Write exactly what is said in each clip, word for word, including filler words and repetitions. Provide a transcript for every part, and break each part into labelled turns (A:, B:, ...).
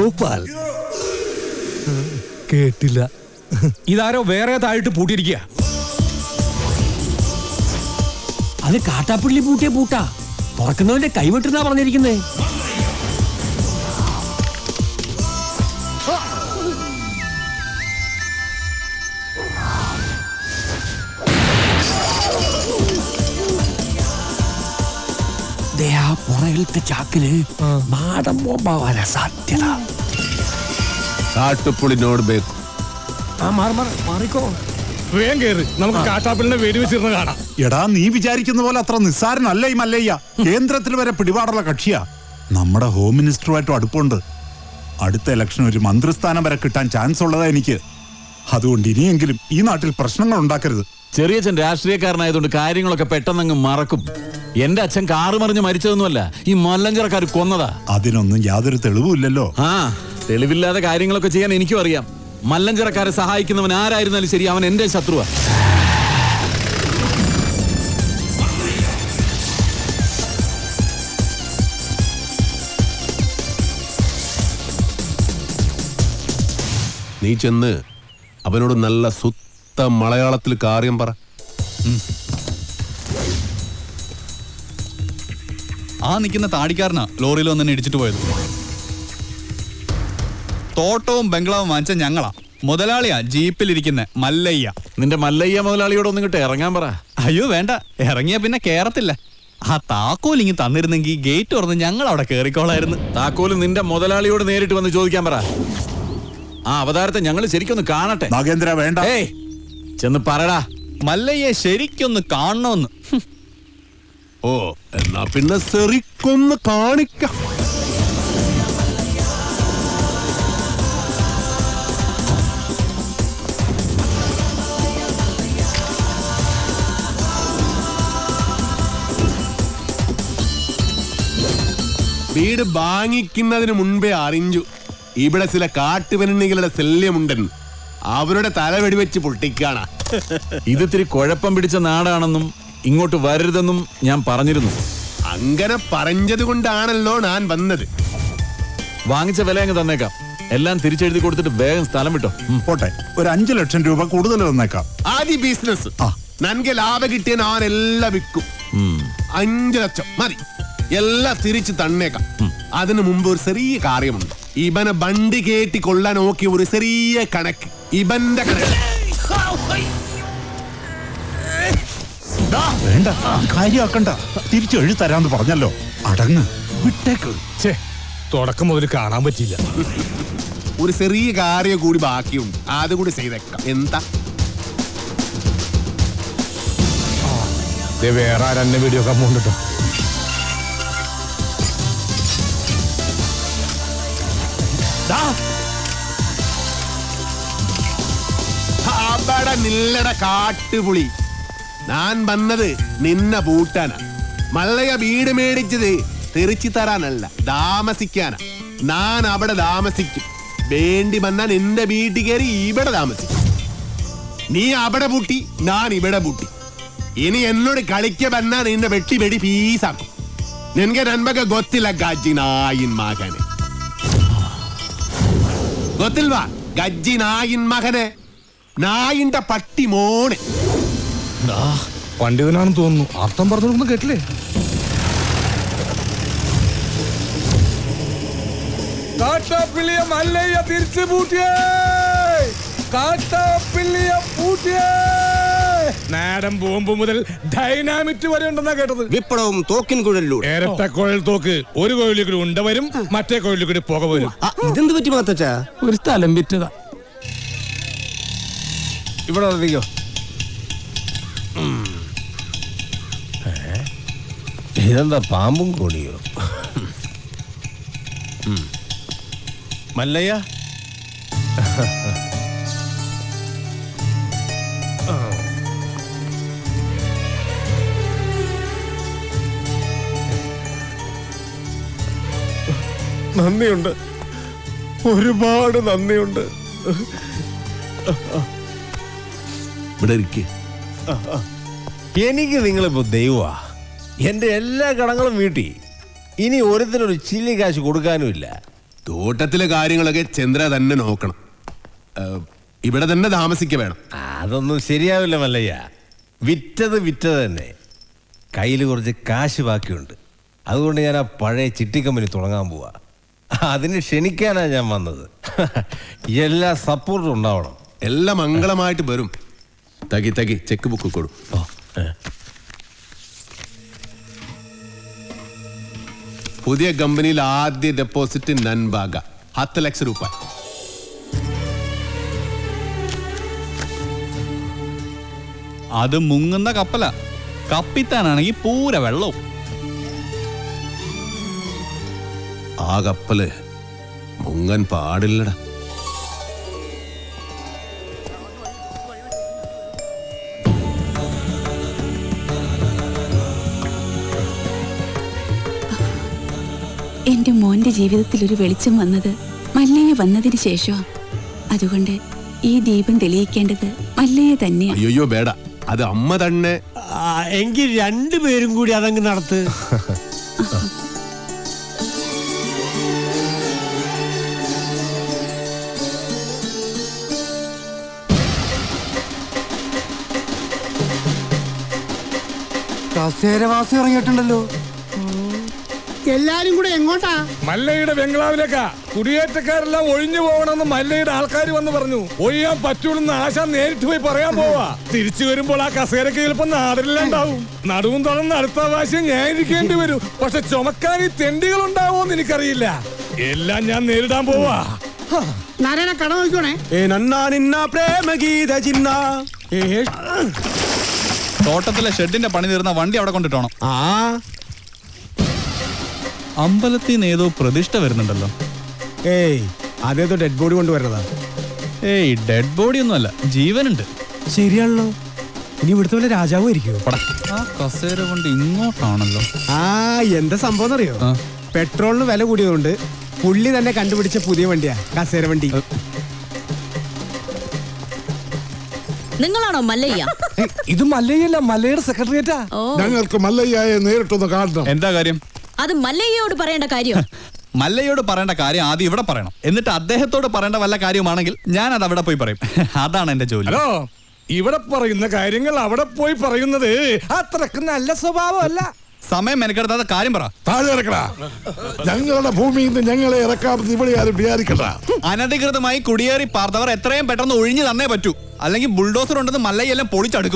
A: ഗോപാൽ. കേട്ടില്ല.
B: ഇതാരോ വേറെ താഴിട്ട് പൂട്ടിയിരിക്കുക.
C: അത് കാട്ടാപ്പിള്ളി പൂട്ടിയ പൂട്ടാ. തുറക്കുന്നവന്റെ കൈവിട്ടെന്നാ പറഞ്ഞിരിക്കുന്നേ. പുറകിലത്തെ ചാക്കില് നാടൻ ബോംബാവാനാ സാധ്യത.
D: കാട്ടുപുളിനോട് ബേക്കും.
C: ആ മാറി മാറി മാറിക്കോ.
B: വേഗം കേറ്, നമുക്ക് കാട്ടാപ്പിളിനെ വെടിവെച്ചിരുന്ന് കാണാം.
E: എടാ, നീ വിചാരിക്കുന്ന പോലെ അത്ര നിസ്സാരനല്ല ഈ മല്ലയ്യ. കേന്ദ്രത്തിൽ വരെ പിടിപാടുള്ള കക്ഷിയാ. നമ്മുടെ ഹോം മിനിസ്റ്ററുമായിട്ടും അടുപ്പുണ്ട്. അടുത്ത ഇലക്ഷൻ ഒരു മന്ത്രിസ്ഥാനം വരെ കിട്ടാൻ ചാൻസ് ഉള്ളതാ എനിക്ക്. അതുകൊണ്ട് ഇനിയെങ്കിലും ഈ നാട്ടിൽ പ്രശ്നങ്ങൾ ഉണ്ടാക്കരുത്.
D: ചെറിയച്ഛൻ രാഷ്ട്രീയക്കാരനായതുകൊണ്ട് കാര്യങ്ങളൊക്കെ പെട്ടെന്നങ്ങ് മറക്കും. എന്റെ അച്ഛൻ കാറ് മറിഞ്ഞ് മരിച്ചതൊന്നുമല്ല, ഈ മല്ലഞ്ചരക്കാർ കൊന്നതാ.
E: അതിനൊന്നും യാതൊരു തെളിവുമില്ലല്ലോ.
D: ആ, തെളിവില്ലാതെ കാര്യങ്ങളൊക്കെ ചെയ്യാൻ എനിക്കും അറിയാം. മല്ലഞ്ചരക്കാരെ സഹായിക്കുന്നവൻ ആരായിരുന്നാലും ശരി, അവൻ എന്റെ ശത്രുവാ.
F: നീ ചെന്ന് അവനോട് നല്ല സുത്ത മലയാളത്തിൽ കാര്യം പറ.
G: ആ നിൽക്കുന്ന താടിക്കാരനാ ലോറിയിൽ വന്നെ ഇടിച്ചിട്ട് പോയത്. തോട്ടവും ബംഗ്ലാവും വാങ്ങിച്ച ഞങ്ങളാ. മുതലാളിയാ ജീപ്പിലിരിക്കുന്ന മല്ലയ്യ.
D: നിന്റെ മല്ലയ്യ മുതലാളിയോട് ഒന്നും ഇങ്ങോട്ട് ഇറങ്ങാൻ പറ.
G: അയ്യോ വേണ്ട, ഇറങ്ങിയ പിന്നെ കേറത്തില്ല. ആ താക്കോൽ ഇങ്ങ് തന്നിരുന്നെങ്കിൽ ഗേറ്റ് തുറന്ന് ഞങ്ങൾ അവിടെ കേറിക്കോളായിരുന്നു.
D: താക്കോല് നിന്റെ മുതലാളിയോട് നേരിട്ട് വന്ന് ചോദിക്കാൻ പറ. ആ അവതാരത്തെ ഞങ്ങൾ ശരിക്കൊന്ന് കാണട്ടെ.
E: നാഗേന്ദ്ര വേണ്ട.
D: ഏയ് ചെന്ന് പറടാ.
G: മല്ലയ്യെ ശരിക്കൊന്ന് കാണണമെന്ന്.
F: ഓ, എന്നാ പിന്നെ ശരിക്കൊന്ന് കാണിക്കാം. വീട് വാങ്ങിക്കുന്നതിന് മുൻപേ അറിഞ്ഞു ഇവിടെ ചില കാട്ടുപെണ്ണികളുടെ ശല്യമുണ്ടെന്ന്. അവരുടെ തല വെടിവെച്ച് പൊട്ടിക്കാണ.
D: ഇതിത്തിരി കുഴപ്പം പിടിച്ച നാടാണെന്നും ഇങ്ങോട്ട് വരരുതെന്നും ഞാൻ പറഞ്ഞിരുന്നു.
F: അങ്ങനെ പറഞ്ഞത് കൊണ്ടാണല്ലോ ഞാൻ വന്നത്.
D: വാങ്ങിച്ച വില അങ്ങ് തന്നേക്കാം. എല്ലാം തിരിച്ചെഴുതി കൊടുത്തിട്ട് വേഗം സ്ഥലം വിട്ടോ.
E: പോട്ടെ, ഒരു അഞ്ചു ലക്ഷം രൂപ കൂടുതൽ തന്നേക്കാം.
F: ആദ്യ ബിസിനസ് നൻകെ ലാഭം കിട്ടിയ ഞാൻ എല്ലാം വിൽക്കും. അഞ്ചു ലക്ഷം മതി, എല്ലാം തിരിച്ച് തന്നേക്കാം. അതിനു മുമ്പ് ഒരു ചെറിയ കാര്യമുണ്ട്. ഇവനെ വണ്ടി കേട്ടി കൊള്ളാൻ നോക്കിയ ഒരു ചെറിയ കണക്ക്. ഇവന്റെ കണക്ക്
E: വേണ്ട, കാര്യമാക്കണ്ട. തിരിച്ചു എഴുതി തരാന്ന് പറഞ്ഞല്ലോ. അടങ്ങ്, വിട്ടേക്ക്.
B: തുടക്കം മുതൽ കാണാൻ പറ്റിയില്ല.
F: ഒരു ചെറിയ കാര്യം കൂടി ബാക്കിയുണ്ട്, അതുകൂടി ചെയ്തേക്കാം. എന്താ
B: വേറെ ആരെന്നെ വീഡിയോ കമ്മുണ്ടോ?
F: അവിടെ നില്ലട കാട്ടുപുളി. ഞാൻ വന്നത് നിന്നെ പൂട്ടാനാ. മല്ലയ വീട് മേടിച്ചത് തിരിച്ചു തരാനല്ല, താമസിക്കാനാ. ഞാൻ അവിടെ താമസിക്കും. വേണ്ടി വന്നാൽ നിന്റെ വീട്ടിൽ കയറി ഇവിടെ താമസിക്കും. നീ അവിടെ പൂട്ടി, ഞാൻ ഇവിടെ പൂട്ടി. ഇനി എന്നോട് കളിക്ക വന്നാ നിന്റെ വെട്ടി വെടി പീസാക്കും. നിനക്ക് നൻപക ഗൊത്തില്ല ഗജ്ജി നായിൻ മകനെ. ഗൊത്തിൽവാ ഗജ്ജി നായിൻ മകനെ, നായിന്റെ പട്ടി മോനെ.
B: പണ്ഡിതനാണെന്ന് തോന്നുന്നു. അർത്ഥം പറഞ്ഞൊന്നും കേട്ടില്ലേ? കാട്ടാപ്പിള്ളിയ മല്ലയ്യ തിരിച്ചു പൂട്ടിയേ. കാട്ടാപ്പിള്ളിയ പൂട്ടിയേ. നാടൻ ബോംബ് മുതൽ ഡൈനാമിറ്റ് വരെ ഉണ്ടെന്നാ കേട്ടത്.
H: വിപ്ലവം തോക്കിൻ കുഴലിലൂടെ.
B: ഇരട്ട കുഴൽ തോക്ക്. ഒരു കുഴലിൽ കൂടി ഉണ്ട വരും, മറ്റേ കുഴലിൽ കൂടി പുക വരും.
H: ഇതെന്ത് പറ്റി മാത്തച്ചാ?
C: ഒരു സ്ഥലം വിറ്റതാ.
H: ഇവിടെ ഉറപ്പിക്കോ. ഇതെന്താ പാമ്പും കോണിയോ? മല്ലയ്യ,
A: നന്ദിയുണ്ട്, ഒരുപാട് നന്ദിയുണ്ട്.
F: ഇവിടെ ഇരിക്കേ.
H: എനിക്ക് നിങ്ങളിപ്പോ ദൈവമാ. എന്റെ എല്ലാ കടങ്ങളും വീട്ടി. ഇനി ഒരുത്തിനൊരു ചില്ലി കാശ് കൊടുക്കാനുമില്ല.
F: തോട്ടത്തിലെ കാര്യങ്ങളൊക്കെ ചന്ദ്ര തന്നെ നോക്കണം. ഏഹ്, ഇവിടെ തന്നെ താമസിക്ക വേണം.
H: അതൊന്നും ശരിയാവില്ല മല്ലയ്യ. വിറ്റത് വിറ്റത് തന്നെ. കയ്യിൽ കുറച്ച് കാശ് ബാക്കിയുണ്ട്. അതുകൊണ്ട് ഞാൻ ആ പഴയ ചിട്ടി കമ്പനി തുടങ്ങാൻ പോവാ. അതിന് ക്ഷണിക്കാനാണ് ഞാൻ വന്നത്. എല്ലാ സപ്പോർട്ടും ഉണ്ടാവണം.
F: എല്ലാം മംഗളമായിട്ട് വരും. തകി തകി ചെക്ക് ബുക്ക് കൊടു. പുതിയ കമ്പനിയിൽ ആദ്യ ഡെപ്പോസിറ്റ് നൻബാഗ ഹത്ത് ലക്ഷം രൂപ.
G: അത് മുങ്ങുന്ന കപ്പല. കപ്പിത്താനാണെങ്കിൽ പൂര വെള്ളവും.
F: ആ കപ്പല് മുങ്ങൻ പാടില്ലടാ.
I: എന്റെ മോന്റെ ജീവിതത്തിൽ ഒരു വെളിച്ചം വന്നത് മല്ലയ്യ വന്നതിന് ശേഷമാണ്. അതുകൊണ്ട് ഈ ദീപം തെളിയിക്കേണ്ടത് മല്ലയ്യ തന്നെയാണ്.
F: അയ്യോ വേട, അത് അമ്മ തന്നെ.
C: എങ്കിൽ രണ്ടുപേരും കൂടി അതങ്ങ് നടത്ത്.
H: കസേരവാസി ഇറങ്ങിയിട്ടുണ്ടല്ലോ.
C: എല്ലാരും കൂടെ എങ്ങോട്ടാ?
B: മല്ലയുടെ ബംഗ്ലാവിലേക്കാ. കുടിയേറ്റക്കാരെല്ലാം ഒഴിഞ്ഞു പോകണമെന്ന് മല്ലയുടെ ആൾക്കാർ വന്ന് പറഞ്ഞു. ഒഴിയാൻ പറ്റൂലെന്ന് ആശ നേരിട്ട് പോയി പറയാൻ പോവാ. തിരിച്ചു വരുമ്പോൾ ആ കസേരക്ക് ചിലപ്പോ നാടില്ലാണ്ടാവും. നടുവും തുറന്ന് അടുത്ത പ്രാവശ്യം ഞാൻ ഇരിക്കേണ്ടി വരും. പക്ഷെ ചുമക്കാൻ ഈ തെണ്ടികൾ ഉണ്ടാവോന്ന് എനിക്കറിയില്ല. എല്ലാം ഞാൻ നേരിടാൻ പോവാ.
C: നാരായണ കട നോക്കണേ.
G: തോട്ടത്തിലെ ഷെഡിന്റെ പണി തീർന്ന വണ്ടി അവിടെ കൊണ്ടിട്ടോണം.
C: ആ
G: അമ്പലത്തിൽ നിന്ന് ഏതോ പ്രതിഷ്ഠ വരുന്നുണ്ടല്ലോ.
C: ഏയ് അതേതോ ഡെഡ് ബോഡി കൊണ്ടുവരുന്നതാ.
G: ഏയ് ഡെഡ് ബോഡി ഒന്നുമല്ല, ജീവനുണ്ട്.
C: ശരിയാണല്ലോ. ഇനി ഇവിടുത്തെ വല്ല രാജാവും ആയിരിക്കുമോ?
G: ആ കസേര കൊണ്ട് ഇങ്ങോട്ടാണല്ലോ.
C: ആ എന്താ സംഭവം എന്നറിയോ?
G: ആ.
C: പെട്രോളിന് വില കൂടിയതുകൊണ്ട് പുള്ളി തന്നെ കണ്ടുപിടിച്ച പുതിയ വണ്ടിയാ കസേര വണ്ടി.
J: നിങ്ങളാണോ മല്ലയ്യ?
C: ഇത് മല്ലയ്യല്ല, മല്ലയുടെ സെക്രട്ടറിയേറ്റാ.
A: ഞങ്ങൾക്ക് മല്ലയ്യയെ നേരിട്ടൊന്ന് കാണണം.
G: എന്താ കാര്യം?
J: അത് മല്ലയ്യയോട് പറയേണ്ട കാര്യം.
G: മല്ലയോട് പറയേണ്ട കാര്യം ആദ്യം ഇവിടെ പറയണം. എന്നിട്ട് അദ്ദേഹത്തോട് പറയേണ്ട വല്ല കാര്യമാണെങ്കിൽ ഞാൻ അത് അവിടെ പോയി പറയും. അതാണ് എന്റെ ജോലി.
B: ഹലോ, ഇവിടെ പറയുന്ന കാര്യങ്ങൾ അവിടെ പോയി പറയുന്നത്
C: അത്രക്ക് നല്ല സ്വഭാവമല്ല.
G: സമയം മെനക്കെടുത്താത്ത കാര്യം പറ.
A: താഴെ ഇറക്കടാ. ഞങ്ങളുടെ ഭൂമിയിൽ നിന്ന് ഞങ്ങളെ ഇറക്കാമെന്ന് ഇവിടെ ആരും വിചാരിക്കണ്ട.
G: അനധികൃതമായി കുടിയേറി പാർത്തവർ എത്രയും പെട്ടെന്ന് ഒഴിഞ്ഞു തന്നേ പറ്റൂ. അല്ലെങ്കിൽ ബുൾഡോസർ ഉണ്ടെന്ന് മല്ലയെല്ലാം പൊളിച്ചടുക്കും.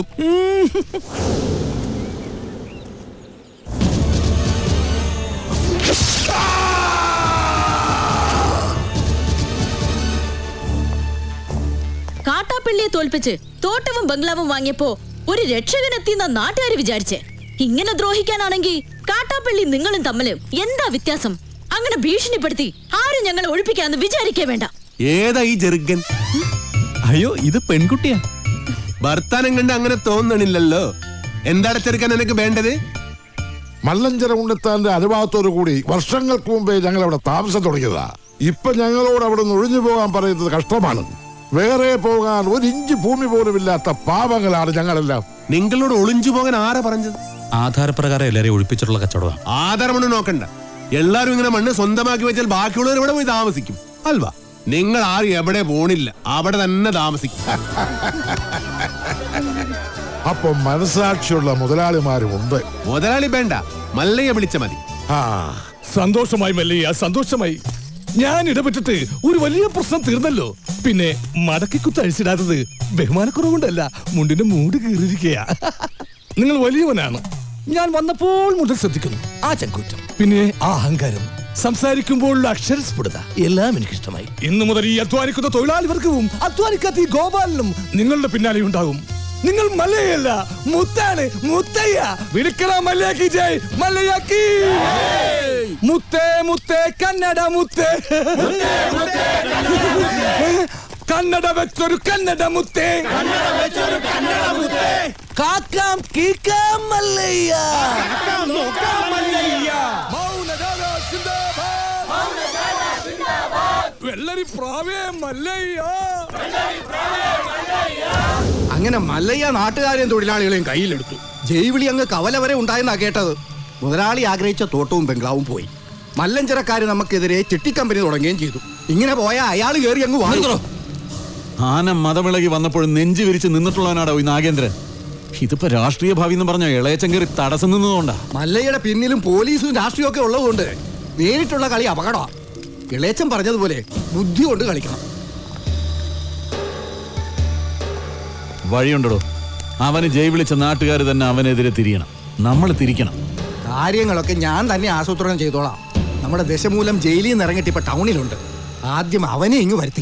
J: കാട്ടാപ്പള്ളിയെ തോൽപ്പിച്ച് തോട്ടവും ബംഗ്ലാവും വാങ്ങിയപ്പോ ഒരു രക്ഷകനെത്തിയെന്ന നാട്ടുകാർ വിചാരിച്ചേ. ഇങ്ങനെ ദ്രോഹിക്കാനാണെങ്കിൽ കാട്ടാപ്പള്ളി നിങ്ങളും തമ്മില് എന്താ വ്യത്യാസം? അങ്ങനെ ഭീഷണിപ്പെടുത്തി ആരും ഞങ്ങളെ ഒഴിപ്പിക്കാന്ന് വിചാരിക്കേ വേണ്ട.
F: ഏതാ ഈ ജെറുഗൻ?
G: അയ്യോ, ഇത് പെൺകുട്ടിയാ.
F: ഭർത്താനം കണ്ട് അങ്ങനെ തോന്നണില്ലല്ലോ. എന്താണ് ചെറുക്കൻ എനിക്ക് വേണ്ടത്?
A: മല്ലഞ്ചര ഉണ്ണിത്താന്റെ അനുഭവത്തോടു കൂടി വർഷങ്ങൾക്ക് മുമ്പേ ഞങ്ങൾ അവിടെ താമസം തുടങ്ങിയതാ. ഇപ്പൊ ഞങ്ങളോട് അവിടെ നിന്ന് ഒഴിഞ്ഞു പോകാൻ പറയുന്നത് കഷ്ടമാണ്. വേറെ പോകാൻ ഒരു ഇഞ്ച് ഭൂമി പോലും ഇല്ലാത്ത പാവങ്ങളാണ് ഞങ്ങളെല്ലാം.
F: നിങ്ങളോട് ഒളിഞ്ചു പോകാൻ ആരാ പറഞ്ഞത്?
G: ആധാരപ്രകാരം എല്ലാരെയും ഒഴിപ്പിച്ചിട്ടുള്ള കച്ചവടമാണ്.
F: ആധാരമണ്ണ് നോക്കണ്ട. എല്ലാരും ഇങ്ങനെ മണ്ണ് സ്വന്തമാക്കി വെച്ചാൽ ബാക്കിയുള്ളവർ ഇവിടെ പോയി താമസിക്കും അൽവാ. നിങ്ങൾ ആരും എവിടെ പോണില്ല, അവിടെ തന്നെ താമസിക്കും.
A: അപ്പൊ മനസാക്ഷിയുള്ള മുതലാളിമാരും ഉണ്ട്.
F: മുതലാളി വേണ്ട, മല്ലയെ വിളിച്ച മതി.
A: ആ
B: സന്തോഷമായി മല്ലയ്യ, സന്തോഷമായി. ഞാൻ ഇടപെട്ടിട്ട് ഒരു വലിയ പ്രശ്നം തീർന്നല്ലോ. പിന്നെ മടക്കിക്കുത്ത് അഴിച്ചിടാത്തത് ബഹുമാനക്കുറവുകൊണ്ടല്ല, മുണ്ടിന്റെ മൂട് കീറിയിരിക്കയാ. നിങ്ങൾ വലിയവനാണ്. ഞാൻ വന്നപ്പോൾ മുതൽ ശ്രദ്ധിക്കുന്നു ആ ചങ്കൂറ്റം, പിന്നെ ആ അഹങ്കാരം, സംസാരിക്കുമ്പോഴുള്ള അക്ഷരസ്ഫുടത എല്ലാം എനിക്കിഷ്ടമായി. ഇന്നു മുതൽ ഈ അധ്വാനിക്കുന്ന തൊഴിലാളി വർഗവും അധ്വാനിക്കാത്ത ഈ ഗോപാലനും നിങ്ങളുടെ പിന്നാലെ ഉണ്ടാകും. നിങ്ങൾ മല്ലയല്ല, മുത്താണ്, മുത്തയ്യ. വിളിക്കണ മല്ലയാക്കി ജയ്, മല്ലയാക്കി. മുത്തേ മുത്തേ കന്നഡ മുത്തേ, കന്നഡ വെച്ചൊരു കന്നഡ മുത്തേ, കാക്കാം കീക്കാം മല്ലയ്യ, വെള്ളരി പ്രാവേ മല്ലയ്യ.
K: അങ്ങനെ മല്ലയ്യ നാട്ടുകാരെയും തൊഴിലാളികളെയും കയ്യിലെടുത്തു. ജൈവിളി അങ്ങ് കവല വരെ ഉണ്ടായെന്നാ കേട്ടത്. മുതലാളി ആഗ്രഹിച്ച തോട്ടവും ബംഗ്ലാവും പോയി. മല്ലഞ്ചരക്കാര് നമുക്കെതിരെ ചിട്ടി കമ്പനി തുടങ്ങുകയും ചെയ്തു. ഇങ്ങനെ പോയാൽ അയാൾ കയറി അങ്ങ് വാങ്ങുന്നു.
D: ആന മതമിളകി വന്നപ്പോഴും നെഞ്ചു വിരിച്ച് നിന്നിട്ടുള്ളവനാടോ ഈ നാഗേന്ദ്രൻ. ഇതിപ്പോ രാഷ്ട്രീയ ഭാവി എന്ന് പറഞ്ഞ ഇളയച്ചൻ കയറി തടസ്സം നിന്നതുകൊണ്ടാ.
K: മല്ലയുടെ പിന്നിലും പോലീസും രാഷ്ട്രീയം ഒക്കെ ഉള്ളതുകൊണ്ട് നേരിട്ടുള്ള കളി അപകടമാണ്. ഇളയച്ചൻ പറഞ്ഞതുപോലെ ബുദ്ധി കൊണ്ട് കളിക്കണം.
D: വഴിയുണ്ടോ? അവന് ജയ് വിളിച്ച നാട്ടുകാർ തന്നെ അവനെതിരെ തിരിയണം. നമ്മൾ തിരിക്കണം.
K: കാര്യങ്ങളൊക്കെ ഞാൻ തന്നെ ആസൂത്രണം ചെയ്തോളാം. നമ്മുടെ ദശമൂലം ജയിലിൽ നിന്ന് ഇറങ്ങിയിട്ട് ഇപ്പൊ ടൗണിലുണ്ട്. ആദ്യം അവനെ ഇങ്ങ് വരുത്തി.